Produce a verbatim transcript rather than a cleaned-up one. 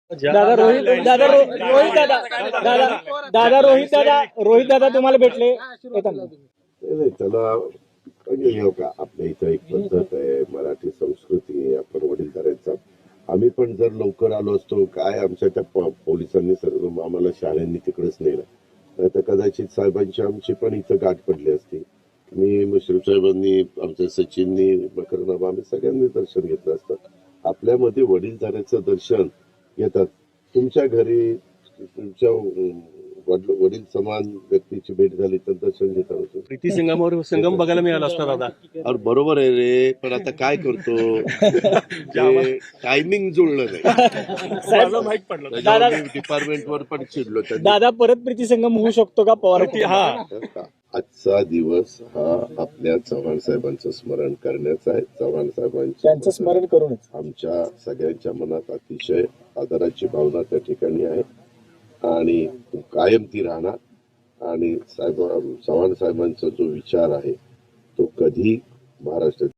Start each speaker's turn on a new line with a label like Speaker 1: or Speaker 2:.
Speaker 1: दादा रोहित दादा रो- रोहित दादा दादा दादा रोहित दादा रोहित दादा तुम्हाला भेटले येताना.
Speaker 2: नाही नाही, त्याला म्हणजे हे का आपल्या इथं एक पद्धत आहे, मराठी संस्कृती आहे, आपण वडीलधाऱ्यांचा. आम्ही पण जर लवकर आलो असतो, काय आमच्या त्या प- पोलिसांनी सर्व आम्हाला शाळांनी तिकडेच नेलं, नाही तर कदाचित साहेबांची आमची पण इथं गाठ पडली असती. मी मुश्रीफ साहेबांनी, आमच्या सचिननी, मकरनामा, आम्ही सगळ्यांनी दर्शन घेतलं असतं. आपल्यामध्ये वडीलधाऱ्याचं दर्शन येतात. तुमच्या घरी तुमच्या अं, वडील वडील समान व्यक्तीची भेट झाली तर दर्शन घेता होतं.
Speaker 3: प्रीती संगमावर संगम बघायला मिळाला असता दादा.
Speaker 2: अरे बरोबर आहे रे, पण आता काय करतो, टायमिंग जुळलं नाही.
Speaker 3: मला माहित पडलं.
Speaker 2: त्याच्यावर मी डिपार्टमेंटवर पण चिडलो. त्यांनी
Speaker 1: दादा परत प्रीती संगम होऊ शकतो का पवार
Speaker 3: प्रीती- हा
Speaker 2: आजचा दिवस हा आपल्या चव्हाण साहेबांचं स्मरण करण्याचा आहे. चव्हाण
Speaker 1: त्यांचं
Speaker 2: साहेबांचं
Speaker 1: स्मरण करूनच
Speaker 2: आमच्या सगळ्यांच्या मनात अतिशय आदराची भावना त्या ठिकाणी आहे आणि कायम ती राहणार. आणि साहेब चव्हाण साहेबांचा जो विचार आहे तो कधी महाराष्ट्रात